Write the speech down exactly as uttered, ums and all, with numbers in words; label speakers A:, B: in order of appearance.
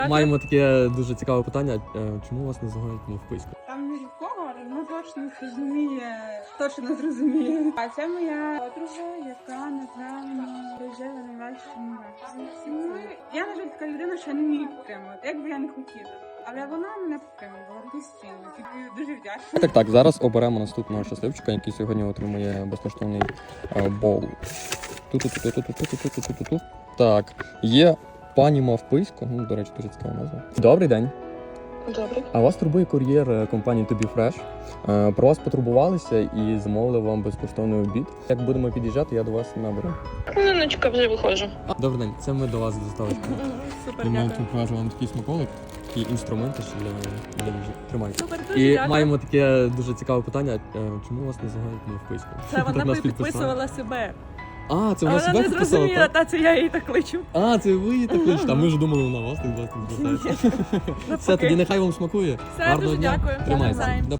A: Маємо таке дуже цікаве питання. Е, Чому вас називають мавписько?
B: Там не нікого, ну точно зрозуміє, точно не зрозуміє. А це моя подруга, яка, напевно, прожила найважчому ну, я, на жаль, така людина, що я не вмію підтримувати, як би я не хотіла. Але вона мене підтримувала постійно. Тобі дуже вдячна.
A: Так, так, зараз оберемо наступного щасливчика, який сьогодні отримує безкоштовний е, бол. Ту-ту-ту-ту-ту-ту-ту-ту-ту-ту. Так, є пані Мавписько, ну, до речі, дуже цікава назва. Добрий день.
C: Добре.
A: А вас турбує кур'єр е, компанії Тобі Фреш. Е, Про вас потурбувалися і замовили вам безкоштовний обід. Як будемо під'їжджати, я до вас наберу.
C: Хвилиночка, вже виходжу.
A: Добрий день, це ми до вас з доставочкою.
C: Супер,
A: Ми
C: дякую.
A: покажу вам такий смаколик, такі інструменти ще для, для їжі. Тримайте.
C: Супер, дуже
A: І
C: дякую.
A: маємо таке дуже цікаве питання. Е, Чому вас називають Мавписько?
C: Це
A: Так
C: вона
A: нас
C: би
A: підписали.
C: підписувала себе.
A: А, це
C: А
A: вона
C: вона
A: себе
C: не
A: підписала,
C: зрозуміла,
A: так?
C: та це я її так кличу.
A: А, це ви її так кличете. А ми ж думали, вона вас так звертається. Все, тоді нехай вам смакує.
C: Все,
A: Гарного
C: дуже
A: дня.
C: дякую.
A: Тримайся.
C: Навзаєм.
A: До